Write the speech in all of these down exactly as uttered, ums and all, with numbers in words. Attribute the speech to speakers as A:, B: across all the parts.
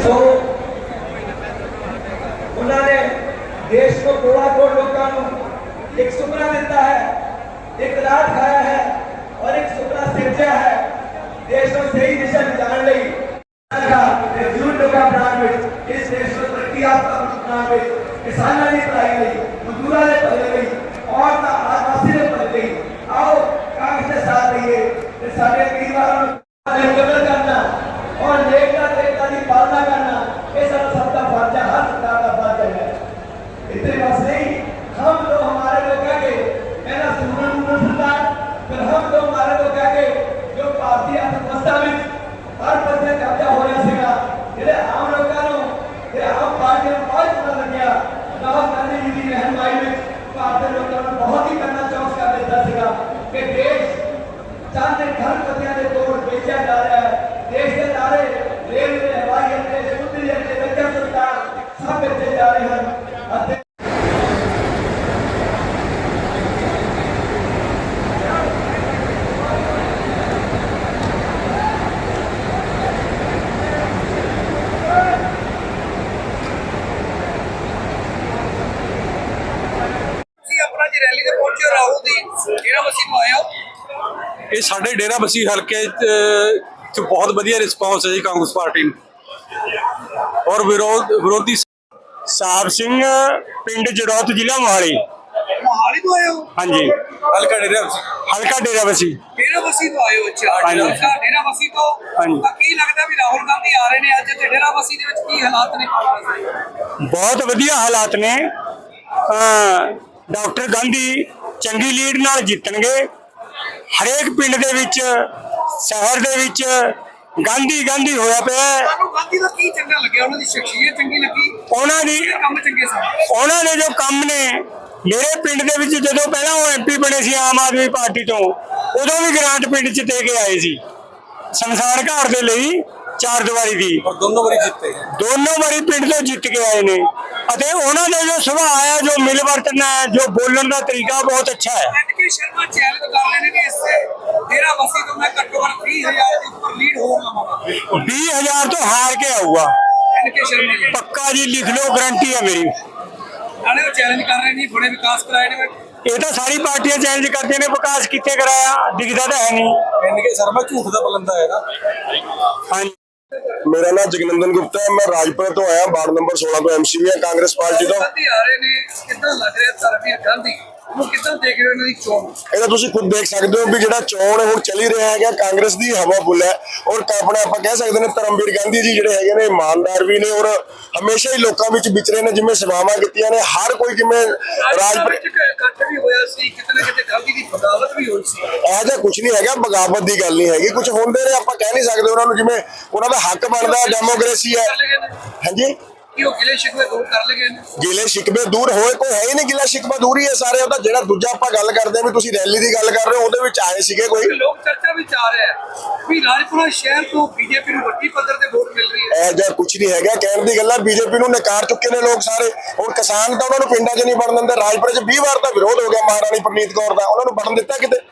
A: सो उन्होंने देश को कोड़ा कोड़ लोगों को एक सुपना दिता है, एक रात खाया है और एक सुपना सिरजा है देश को सही दिशा में जाने लगी जरूर लोग इस देश को तरक्की आपका अपना किसानों ने पढ़ाई गई, मजदूरों ने पढ़ाई गई और आदिवासी ने पढ़ाई गई। आओ कांग्रेस के साथ रहिए, सारे परिवारों को कदर करना और नेकता देवता की पालना करना ये सारा सबका फर्ज है, हर सरकार का फर्ज है। इतने बस नहीं, हम तो हमारे लोग कह के मेरा सुमन सरकार फिर हम तो हमारे लोग कह के जो भारतीय अर्थव्यवस्था में हर पद कब्जा हो रहा सीगा ਜਿਹੜੇ ਆਮ ਲੋਕਾਂ ਨੂੰ ਤੇ ਆਮ ਪਾਰਟੀਆਂ ਨੂੰ ਬਹੁਤ ਪਤਾ ਲੱਗਿਆ। ਰਾਹੁਲ ਗਾਂਧੀ ਜੀ ਦੀ ਰਹਿਨੁਮਾਈ ਵਿੱਚ ਭਾਰਤ ਦੇ ਲੋਕਾਂ ਨੂੰ ਬਹੁਤ ਹੀ ਕਰਨਾ ਚੌਂਸ ਕਰ ਦਿੱਤਾ ਸੀਗਾ ਕਿ ਦੇਸ਼ ਚਾਂਦੇ ਘਰ ਪਤਿਆਂ ਦੇ ਤੋੜ ਵੇਚਿਆ ਜਾ ਰਿਹਾ ਹੈ। ਦੇਸ਼ ਦੇ ਨਾਰੇ ਰੇਲਵੇ, ਹਵਾਈ ਅੱਡੇ, ਸਮੁੰਦਰੀ ਅੱਡੇ, ਰੱਖਿਆ ਸਰਕਾਰ ਸਭ ਵੇਚੇ ਜਾ ਰਹੇ ਹਨ ਅਤੇ
B: ਇਹ ਸਾਡੇ ਡੇਰਾ ਬਸੀ ਹਲਕੇ ਚ ਬਹੁਤ ਵਧੀਆ ਰਿਸਪੌਂਸ ਹੈ ਜੀ ਕਾਂਗਰਸ ਪਾਰਟੀ ਨੂੰ ਔਰ ਵਿਰੋਧ ਵਿਰੋਧੀ
C: ਸਾਹਿਬ ਸਿੰਘ ਪਿੰਡ ਜੜੌਤ ਜ਼ਿਲ੍ਹਾ ਮੋਹਾਲੀ
D: ਮੋਹਾਲੀ ਤੋਂ ਆਏ ਹੋ?
C: ਹਾਂਜੀ
B: ਹਲਕਾ ਡੇਰਾ ਬਸੀ
C: ਹਲਕਾ ਡੇਰਾ ਬਸੀ
D: ਡੇਰਾ ਬਸੀ ਤੋਂ ਆਏ ਹੋ? ਅੱਛਾ, ਡੇਰਾ ਬਸੀ ਤੋਂ।
C: ਹਾਂਜੀ।
D: ਕੀ ਲੱਗਦਾ ਵੀ ਰਾਹੁਲ ਗਾਂਧੀ ਆ ਰਹੇ ਨੇ ਅੱਜ ਤੇ ਡੇਰਾ ਬਸੀ ਦੇ ਵਿੱਚ ਕੀ ਹਾਲਾਤ ਨੇ ਕਾਂਗਰਸ ਦੇ?
C: ਬਹੁਤ ਵਧੀਆ ਹਾਲਾਤ ਨੇ। ਡਾਕਟਰ ਗਾਂਧੀ ਚੰਗੀ ਲੀਡ ਨਾਲ ਜਿੱਤਣਗੇ। ਹਰੇਕ ਪਿੰਡ ਦੇ ਵਿੱਚ, ਸ਼ਹਿਰ ਦੇ ਵਿੱਚ ਗਾਂਧੀ ਗਾਂਧੀ ਹੋਇਆ ਪਿਆ।
D: ਤੁਹਾਨੂੰ ਗਾਂਧੀ ਦਾ ਕੀ ਚੰਗਾ ਲੱਗਿਆ? ਉਹਨਾਂ ਦੀ ਸ਼ਖਸੀਅਤ ਚੰਗੀ ਲੱਗੀ?
C: ਉਹਨਾਂ ਦੀ
D: ਕੰਮ ਚੰਗੇ ਸਨ?
C: ਉਹਨਾਂ ਨੇ ਜੋ ਕੰਮ ਨੇ ਮੇਰੇ ਪਿੰਡ ਦੇ ਵਿੱਚ, ਜਦੋਂ ਪਹਿਲਾਂ ਉਹ ਐਮਪੀ ਬਣੇ ਸੀ ਆਮ ਆਦਮੀ ਪਾਰਟੀ ਤੋਂ, ਉਦੋਂ ਵੀ ਗ੍ਰਾਂਟ ਪਿੰਡ 'ਚ ਦੇ ਕੇ ਆਏ ਸੀ ਸ਼ਮਸ਼ਾਨ ਘਾਟ ਦੇ ਲਈ ਚਾਰ ਦੀਵਾਰੀ ਦੀ।
B: ਔਰ ਦੋਨੋਂ ਵਾਰੀ ਜਿੱਤੇ
C: ਦੋਨੋਂ ਵਾਰੀ ਪਿੰਡ ਤੋਂ ਜਿੱਤ ਕੇ ਆਏ ਨੇ ਅਤੇ ਉਹਨਾਂ ਦਾ ਜੋ ਸੁਭਾਅ ਹੈ, ਜੋ ਮਿਲ ਵਰਤਣਾ ਹੈ, ਜੋ ਬੋਲਣ ਦਾ ਤਰੀਕਾ ਬਹੁਤ ਅੱਛਾ ਹੈ।
D: ਐਨਕੇ ਸ਼ਰਮਾ ਚੈਲੰਜ ਕਰ ਰਹੇ ਨੇ ਕਿ ਇਸ ਡੇਰਾ ਬਸੀ ਤੋਂ ਮੈਂ ਘੱਟੋ ਘੱਟ ਵੀਹ ਹਜ਼ਾਰ ਦੇ ਉੱਪਰ ਲੀਡ ਹੋਰ ਲਵਾਂਗਾ।
C: ਵੀਹ ਹਜ਼ਾਰ ਤੋਂ ਹਾਰ ਕੇ ਆਊਗਾ
D: ਐਨਕੇ ਸ਼ਰਮਾ ਜੀ
C: ਪੱਕਾ ਜੀ, ਲਿਖ ਲਓ, ਗਰੰਟੀ ਹੈ ਮੇਰੀ।
D: ਨਾਲੇ ਉਹ ਚੈਲੰਜ ਕਰ ਰਹੇ ਨੇ ਬੜੇ ਵਿਕਾਸ ਕਰਾਏ ਨੇ।
C: ਇਹ ਤਾਂ ਸਾਰੀ ਪਾਰਟੀਆਂ ਚੈਲੰਜ ਕਰਦੀਆਂ ਨੇ, ਵਿਕਾਸ ਕਿੱਥੇ ਕਰਾਇਆ? ਦਿਖਦਾ ਤਾਂ ਹੈ ਨਹੀਂ।
B: ਐਨਕੇ ਸ਼ਰਮਾ ਝੂਠ ਦਾ ਬਲੰਦਾ ਹੈ ਨਾ।
C: ਹਾਂਜੀ,
E: मेरा नाम जगनंदन गुप्ता है, मैं राजपुर तो आया, वार्ड नंबर सोलह तो एमसीबी है कांग्रेस पार्टी तो।
D: ਗਾਂਧੀ ਆ ਰਹੇ ਨੇ, ਕਿੱਦਾਂ ਲੱਗ ਰਿਹਾ ਧਰਮਵੀਰ ਗਾਂਧੀ ਨੂੰ? ਕਿੱਦਾਂ ਦੇਖ ਰਹੇ ਹੋ ਇਹਨਾਂ ਦੀ ਚੋਣ?
E: ਇਹਦਾ ਤੁਸੀਂ ਖੁਦ ਦੇਖ ਸਕਦੇ ਹੋ ਵੀ ਜਿਹੜਾ ਚੋਣ ਹੁਣ ਚੱਲੀ ਰਿਹਾ ਹੈਗਾ, ਕਾਂਗਰਸ ਦੀ ਹਵਾ ਫੁੱਲ ਹੈ ਔਰ ਆਪਣਾ ਆਪਾਂ ਕਹਿ ਸਕਦੇ ਨੇ ਧਰਮਵੀਰ ਗਾਂਧੀ ਜੀ ਜਿਹੜੇ ਹੈਗੇ ਨੇ ਇਮਾਨਦਾਰ ਵੀ ਨੇ ਔਰ ਹਮੇਸ਼ਾ ਹੀ ਲੋਕਾਂ ਵਿੱਚ ਵਿਚਰੇ ਨੇ। ਜਿਵੇਂ ਸੇਵਾਵਾਂ ਕੀਤੀਆਂ ਨੇ ਹਰ ਕੋਈ, ਜਿਵੇਂ ਰਾਜਪੁਰ
D: ਇਕੱਠ ਵੀ ਹੋਇਆ ਸੀ, ਕਿਤੇ ਨਾ ਕਿਤੇ ਗਾਂਧੀ ਦੀ ਬਗਾਵਤ ਵੀ ਹੋਈ ਸੀ।
E: ਇਹੋ ਜਿਹਾ ਕੁਝ ਨਹੀਂ ਹੈਗਾ, ਬਗਾਵਤ ਦੀ ਗੱਲ ਨਹੀਂ ਹੈਗੀ। ਕੁਝ ਹੁੰਦੇ ਨੇ, ਆਪਾਂ ਕਹਿ ਨਹੀਂ ਸਕਦੇ ਉਹਨਾਂ ਨੂੰ, ਜਿਵੇਂ ਉਹਨਾਂ ਦਾ ਹੱਕ ਬਣਦਾ, ਡੈਮੋਕ੍ਰੇਸੀ ਹੈ। ਹਾਂਜੀ,
D: ਕਿ ਉਹ ਗਿਲੇ ਸ਼ਿਕਵੇ ਦੂਰ ਕਰ ਲਗੇ ਨੇ?
E: ਗਿਲੇ ਸ਼ਿਕਵੇ ਦੂਰ ਹੋਏ ਕੋਈ ਹੈ ਹੀ ਨਹੀਂ, ਗਿਲਾ ਸ਼ਿਕਵਾ ਦੂਰ ਹੀ ਹੈ ਸਾਰੇ। ਉਹਦਾ ਜਿਹੜਾ ਦੂਜਾ ਆਪਾਂ ਗੱਲ ਕਰਦੇ ਹਾਂ ਵੀ ਤੁਸੀਂ ਰੈਲੀ ਦੀ ਗੱਲ ਕਰ ਰਹੇ ਹੋ, ਉਹਦੇ ਵਿੱਚ ਆਏ ਸੀਗੇ ਕੋਈ
D: ਲੋਕ ਚਰਚਾ ਵਿੱਚ ਆ ਰਿਹਾ ਹੈ ਵੀ ਰਾਜਪੁਰਾ ਸ਼ਹਿਰ ਤੋਂ ਬੀਜੇਪੀ ਨੂੰ ਵੱਡੀ ਪੱਧਰ ਤੇ ਵੋਟ ਮਿਲ ਰਹੀ ਹੈ।
E: ਇਹ ਜਿਹਾ ਕੁਝ ਨਹੀਂ ਹੈਗਾ, ਕਹਿਣ ਦੀ ਗੱਲ ਹੈ। ਬੀਜੇਪੀ ਨੂੰ ਨਕਾਰ ਚੁੱਕੇ ਨੇ ਲੋਕ ਸਾਰੇ। ਹੁਣ ਕਿਸਾਨ ਤਾਂ ਉਹਨਾਂ ਨੂੰ ਪਿੰਡਾਂ 'ਚ ਨਹੀਂ ਵੜਨ ਦਿੰਦੇ। ਰਾਜਪੁਰੇ 'ਚ ਵੀਹ ਵਾਰ ਦਾ ਵਿਰੋਧ ਹੋ ਗਿਆ ਮਹਾਰਾਣੀ ਪ੍ਰਨੀਤ ਕੌਰ ਦਾ, ਉਹਨਾਂ ਨੂੰ ਵੜਨ ਦਿੱਤਾ ਕਿਤੇ?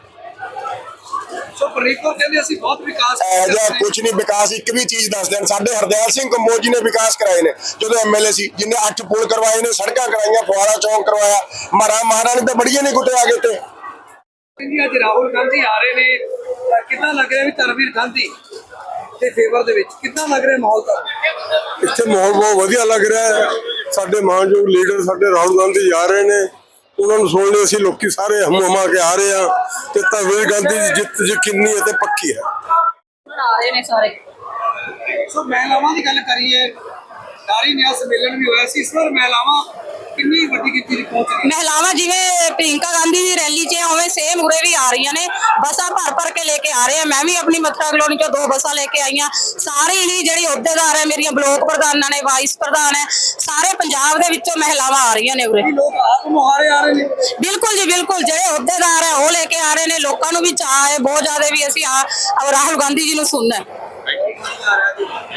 D: ਸੋ ਪ੍ਰਨੀਤ ਕੌਰ ਕਹਿੰਦੇ ਅਸੀਂ ਬਹੁਤ ਵਿਕਾਸ
E: ਇਹ ਜਿਹਾ ਕੁਝ ਨਹੀਂ। ਵਿਕਾਸ ਇੱਕ ਵੀ ਚੀਜ਼ ਦੱਸ ਦੇਣ। ਸਾਡੇ ਹਰਦਿਆਲ ਸਿੰਘ ਕੰਬੋਜ ਜੀ ਨੇ ਵਿਕਾਸ ਕਰਾਏ ਨੇ ਜਦੋਂ ਐਮਐਲਏ ਸੀ, ਜਿੰਨੇ ਅੱਠ ਪੁਲ ਕਰਵਾਏ ਨੇ, ਸੜਕਾਂ ਕਰਾਈਆਂ, ਫੁਆਰਾ ਚੌਂਕ ਕਰਵਾਇਆ। ਮਹਾਰਾ ਮਹਾਰਾਣੀ ਤਾਂ ਬੜੀਆਂ ਨਹੀਂ ਕੁੱਤੇ ਆ ਗਏ ਤੇ।
D: ਅੱਜ ਰਾਹੁਲ ਗਾਂਧੀ ਆ ਰਹੇ ਨੇ, ਕਿੱਦਾਂ ਲੱਗ ਰਿਹਾ ਵੀ ਧਰਮਵੀਰ ਗਾਂਧੀ ਦੇ ਫੇਵਰ ਦੇ ਵਿੱਚ ਕਿੱਦਾਂ ਲੱਗ ਰਿਹਾ ਮਾਹੌਲ? ਤਾਂ
F: ਇੱਥੇ ਮਾਹੌਲ ਬਹੁਤ ਵਧੀਆ ਲੱਗ ਰਿਹਾ ਹੈ। ਸਾਡੇ ਮਾਨਯੋਗ ਲੀਡਰ ਸਾਡੇ ਰਾਹੁਲ ਗਾਂਧੀ ਆ ਰਹੇ ਨੇ, ਉਹਨਾਂ ਨੂੰ ਸੁਣ ਲਈ ਅਸੀਂ ਲੋਕੀ ਸਾਰੇ ਹਮ ਹਮਾ ਕੇ ਆ ਰਹੇ ਆ ਤੇ ਧਰਮਵੀਰ ਗਾਂਧੀ ਦੀ ਜਿੱਤ ਯਕੀਨੀ ਅਤੇ ਪੱਕੀ ਹੈ।
G: ਆ ਰਹੇ ਨੇ ਸਾਰੇ।
D: ਸੋ ਮਹਿਲਾਵਾਂ ਦੀ ਗੱਲ ਕਰੀਏ, ਨਾਰੀ ਨਿਆਂ ਸੰਮੇਲਨ ਵੀ ਹੋਇਆ ਸੀ ਇਸ ਵਾਰ। ਮਹਿਲਾਵਾਂ ਕਿੰਨੀ ਵੱਡੀ ਗਿਣਤੀ ਵਿੱਚ ਪਹੁੰਚ ਗਈਆਂ?
G: ਮਹਿਲਾਵਾਂ ਜਿਵੇਂ ਪ੍ਰਿੰਕਾ ਗਾਂਧੀ ਦੀ ਰੈਲੀ 'ਚ ਉਵੇਂ ਸੇਮ ਉਰੇ ਵੀ ਆ ਰਹੀਆਂ ਨੇ, ਬੱਸਾਂ ਭਰ ਭਰ ਕੇ ਲੈ ਕੇ ਆ ਰਹੇ ਆ। ਮੈਂ ਵੀ ਆਪਣੀ ਮਥੁਰਾ ਕਲੋਨੀ 'ਚੋਂ ਦੋ ਬੱਸਾਂ ਲੈ ਕੇ ਆਈਆਂ। ਸਾਰੇ ਹੀ ਜਿਹੜੀ ਅਹੁਦੇਦਾਰ ਹੈ, ਮੇਰੀਆਂ ਬਲੋਕ ਪ੍ਰਧਾਨਾਂ ਨੇ, ਵਾਈਸ ਪ੍ਰਧਾਨ ਹੈ, ਸਾਰੇ ਪੰਜਾਬ ਦੇ ਵਿੱਚੋਂ ਮਹਿਲਾਵਾਂ ਆ ਰਹੀਆਂ ਨੇ ਉਰੇ।
D: ਲੋਕ ਆਪ ਮੁਹਾਰੇ ਆ ਰਹੇ ਨੇ?
G: ਬਿਲਕੁਲ ਜੀ, ਬਿਲਕੁਲ। ਜਿਹੜੇ ਅਹੁਦੇਦਾਰ ਹੈ ਉਹ ਲੈ ਕੇ ਆ ਰਹੇ ਨੇ। ਲੋਕਾਂ ਨੂੰ ਵੀ ਚਾਅ ਹੈ ਬਹੁਤ ਜ਼ਿਆਦਾ ਵੀ ਅਸੀਂ ਆ ਰਾਹੁਲ ਗਾਂਧੀ ਜੀ ਨੂੰ ਸੁਣਨਾ ਹੈ।